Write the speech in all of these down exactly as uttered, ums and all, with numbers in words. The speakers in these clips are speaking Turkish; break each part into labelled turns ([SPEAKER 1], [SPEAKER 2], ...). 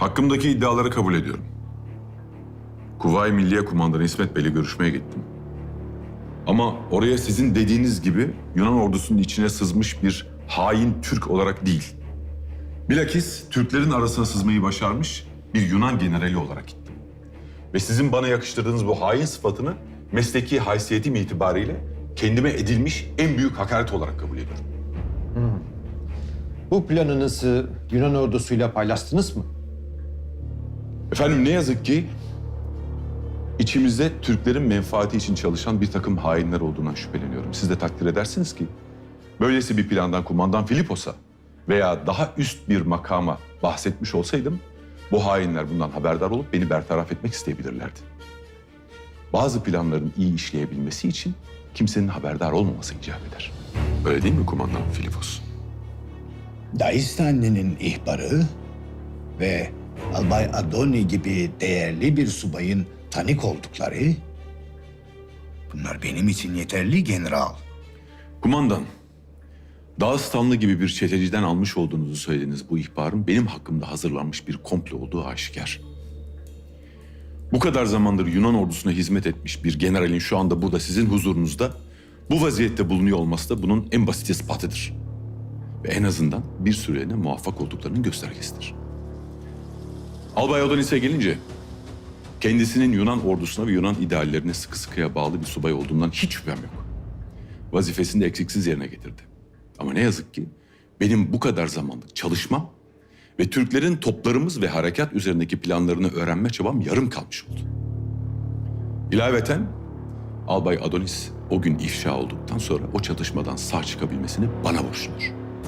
[SPEAKER 1] Hakkımdaki iddiaları kabul ediyorum. Kuvayi Milliye Kumandanı İsmet Bey'le görüşmeye gittim. Ama oraya sizin dediğiniz gibi Yunan ordusunun içine sızmış bir hain Türk olarak değil. Bilakis Türklerin arasına sızmayı başarmış bir Yunan generali olarak gittim. Ve sizin bana yakıştırdığınız bu hain sıfatını mesleki haysiyetim itibariyle kendime edilmiş en büyük hakaret olarak kabul ediyorum.
[SPEAKER 2] Bu planınızı Yunan ordusuyla paylaştınız mı?
[SPEAKER 1] Efendim ne yazık ki içimizde Türklerin menfaati için çalışan bir takım hainler olduğundan şüpheleniyorum. Siz de takdir edersiniz ki böylesi bir plandan kumandan Filipos'a veya daha üst bir makama bahsetmiş olsaydım bu hainler bundan haberdar olup beni bertaraf etmek isteyebilirlerdi. Bazı planların iyi işleyebilmesi için kimsenin haberdar olmaması icap eder. Öyle değil mi kumandan Filipos?
[SPEAKER 3] Daistanli'nin ihbarı ve Albay Adoni gibi değerli bir subayın tanık oldukları, bunlar benim için yeterli general.
[SPEAKER 1] Kumandan, Dağıstanlı gibi bir çeteciden almış olduğunuzu söylediğiniz bu ihbarın benim hakkımda hazırlanmış bir komplo olduğu aşikar. Bu kadar zamandır Yunan ordusuna hizmet etmiş bir generalin şu anda burada sizin huzurunuzda bu vaziyette bulunuyor olması da bunun en basit ispatıdır. Ve en azından bir süreliğine muvaffak olduklarının göstergesidir. Albay Adonis'e gelince kendisinin Yunan ordusuna ve Yunan ideallerine sıkı sıkıya bağlı bir subay olduğundan hiç şüphem yok. Vazifesini de eksiksiz yerine getirdi. Ama ne yazık ki benim bu kadar zamanlık çalışmam ve Türklerin toplarımız ve harekat üzerindeki planlarını öğrenme çabam yarım kalmış oldu. İlaveten Albay Adonis o gün ifşa olduktan sonra o çatışmadan sağ çıkabilmesini bana borçludur.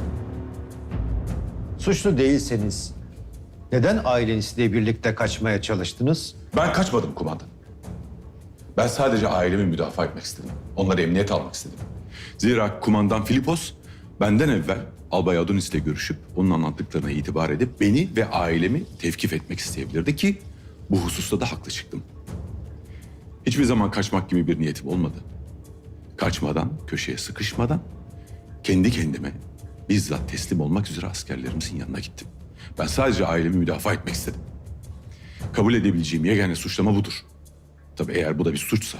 [SPEAKER 2] Suçlu değilseniz neden ailenizle birlikte kaçmaya çalıştınız?
[SPEAKER 1] Ben kaçmadım kumandan. Ben sadece ailemi müdafaa etmek istedim. Onları emniyete almak istedim. Zira kumandan Filipos benden evvel Albay Adonis'le görüşüp onun anlattıklarına itibar edip beni ve ailemi tevkif etmek isteyebilirdi ki bu hususta da haklı çıktım. Hiçbir zaman kaçmak gibi bir niyetim olmadı. Kaçmadan, köşeye sıkışmadan kendi kendime bizzat teslim olmak üzere askerlerimizin yanına gittim. Ben sadece ailemi müdafaa etmek istedim. Kabul edebileceğim yegane suçlama budur. Tabii eğer bu da bir suçsa.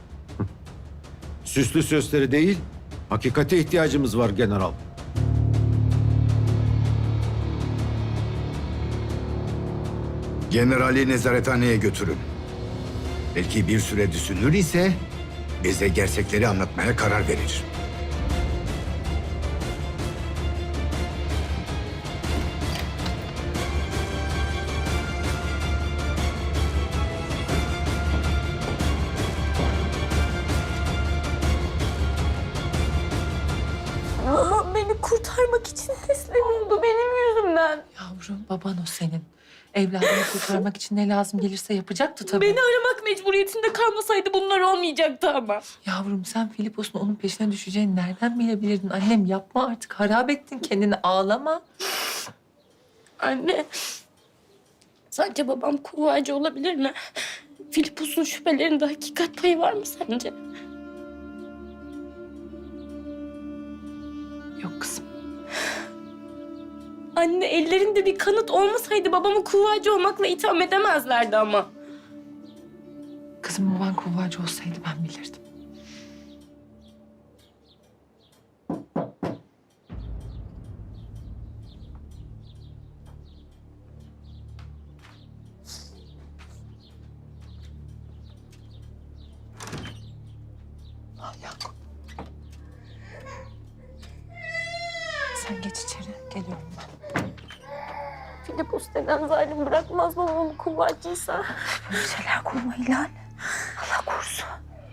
[SPEAKER 2] Süslü sözleri değil, hakikate ihtiyacımız var general.
[SPEAKER 3] Generali nezarethaneye götürün. Belki bir süre düşünür ise bize gerçekleri anlatmaya karar verir.
[SPEAKER 4] Babam beni kurtarmak için teslim oldu benim yüzümden.
[SPEAKER 5] Yavrum, baban o senin. Evladını kurtarmak için ne lazım gelirse yapacaktı tabii.
[SPEAKER 4] Beni aramak mecburiyetinde kalmasaydı bunlar olmayacaktı ama.
[SPEAKER 5] Yavrum, sen Filipos'un onun peşine düşeceğini nereden bilebilirdin? Annem yapma artık, harap ettin kendini, ağlama.
[SPEAKER 4] Anne, sadece babam kuvvacı olabilir mi? Filipos'un şüphelerinde hakikat payı var mı sence?
[SPEAKER 5] Yok kızım.
[SPEAKER 4] Anne, ellerinde bir kanıt olmasaydı babamı kuvvacı olmakla itham edemezlerdi ama.
[SPEAKER 5] Kızım, baban kuvvacı olsaydı ben bilirdim. Al Yakup. Sen geç içeri, geliyorum ben.
[SPEAKER 4] Filipos deden zalim bırakmaz babamı kuvvacıysa.
[SPEAKER 5] Böyle şeyler kurma Hilal. Allah korusun.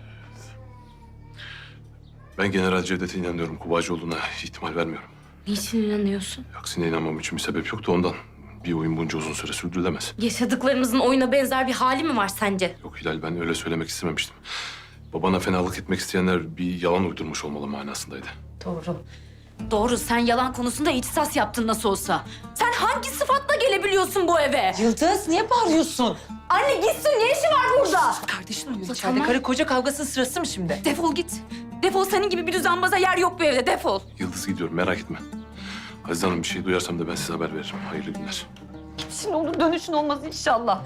[SPEAKER 6] Ben General Cevdet'e inanıyorum. Kuvacı olduğuna ihtimal vermiyorum.
[SPEAKER 4] Niçin inanıyorsun?
[SPEAKER 6] Aksine inanmam için bir sebep yoktu ondan. Bir oyun bunca uzun süre sürdürülemez.
[SPEAKER 4] Yaşadıklarımızın oyuna benzer bir hali mi var sence?
[SPEAKER 6] Yok Hilal, ben öyle söylemek istememiştim. Babana fenalık etmek isteyenler bir yalan uydurmuş olmalı manasındaydı.
[SPEAKER 4] Doğru. Doğru, sen yalan konusunda ihtisas yaptın nasıl olsa. Sen hangi sıfatla gelebiliyorsun bu eve?
[SPEAKER 5] Yıldız, niye bağırıyorsun?
[SPEAKER 4] Anne gitsin, ne işi var burada?
[SPEAKER 5] Kardeşin uyuyor
[SPEAKER 4] Abla,
[SPEAKER 5] içeride.
[SPEAKER 4] tamam.
[SPEAKER 5] Karı koca kavgasının sırası mı şimdi?
[SPEAKER 4] Defol git. Defol, senin gibi bir düzenbaza yer yok bu evde, defol.
[SPEAKER 6] Yıldız gidiyorum, merak etme. Aziz Hanım, bir şey duyarsam da ben size haber veririm. Hayırlı günler.
[SPEAKER 4] Şimdi onun dönüşün olmaz inşallah.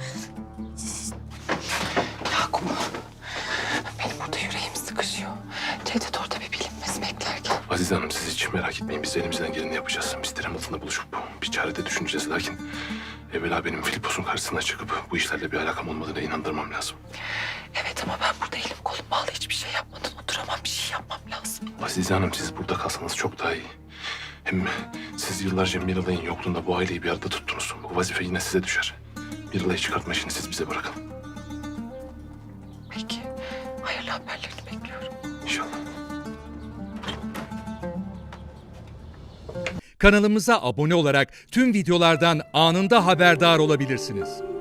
[SPEAKER 5] Yakup, benim burada yüreğim sıkışıyor. Cevdet orada bir bilinmez beklerken.
[SPEAKER 6] Azize Hanım siz hiç merak etmeyin. Biz elimizden geleni yapacağız. Biz terem altında buluşup bir çare de düşüneceğiz. Lakin evvela benim Filipos'un karşısına çıkıp bu işlerle bir alakam olmadığına inandırmam lazım.
[SPEAKER 5] Evet ama ben burada elim kolum bağlı hiçbir şey yapmadan oturamam. Bir şey yapmam lazım.
[SPEAKER 6] Azize Hanım siz burada kalsanız çok daha iyi. Hem siz yıllarca Miralay'ın yokluğunda bu aileyi bir arada tuttunuz. Bu vazife yine size düşer. Miralay'ı çıkartma işini siz bize bırakın.
[SPEAKER 5] Peki, hayırlı haberlerini bekliyorum.
[SPEAKER 6] İnşallah.
[SPEAKER 7] Kanalımıza abone olarak tüm videolardan anında haberdar olabilirsiniz.